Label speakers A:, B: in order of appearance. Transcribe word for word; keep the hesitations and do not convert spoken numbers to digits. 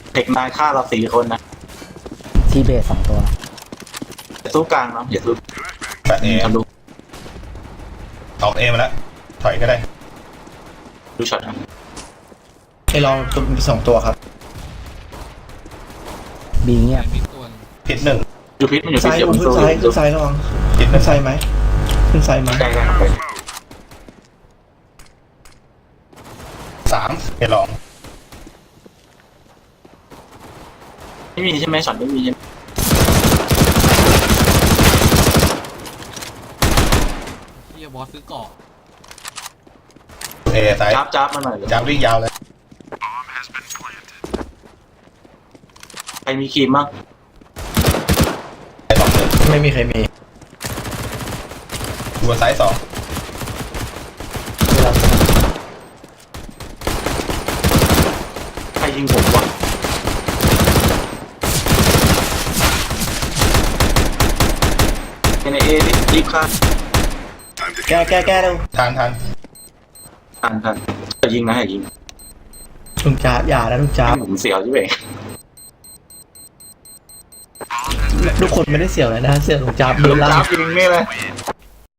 A: เทคนายฆ่าเราสี่คนนะ
B: ทีเบสสองตัว
A: อย่าสู้กลางเนาะอย่าสู้
C: แปดเอ
A: ทะลุ
C: ออกเอมาแล้วถอยก็ได้
A: ดูช็อตนะ
D: ไอ้ลองตัวมีสองตัวครับ
B: บีเงียบ
E: มีตัว
C: พิษหนึ่ง
A: ดูพิษมันอยู่พิษ
D: ซ้าย
A: เดี๋ยว
D: ขึ้
A: มัน
D: น
A: สู้
D: ซ้ายขึ้นซ้ายระวัง
C: พิษหนึ่
D: ขึ้
C: ง
D: นซ้ายไหมขึ้นซ้ายไหม
A: ใกล้ๆไป
C: สามเอลอง
A: ไม่มีใช่ไหมช็อตไม่มีใช่ไหม
E: เฮียบอสซื้อเกาะ
C: เอซ้าย
A: จับจับมาหน่อยเลย
C: จับวิ่งยาวเลย
A: ใครมีครีมบ้าง
C: ไอสองหนึ่ง
D: ไม่มีใครมี
C: ดูซ้ายสอง
A: ใครยิงผมวะในเอรีบฆ่า
D: แก้แก้แก้เร็ว
C: ทานทาน
A: ทันทันจะยิงนะอย่ายิง
D: ลุงจ้าบอย่านะลุงจ้าบ
A: ผมเสียวใช่ไหม
D: ทุกคนไม่ได้เสี่ยวเลยนะเสี่ยวลุงจ้าบโดนล่า
A: จับยิงนี่เลย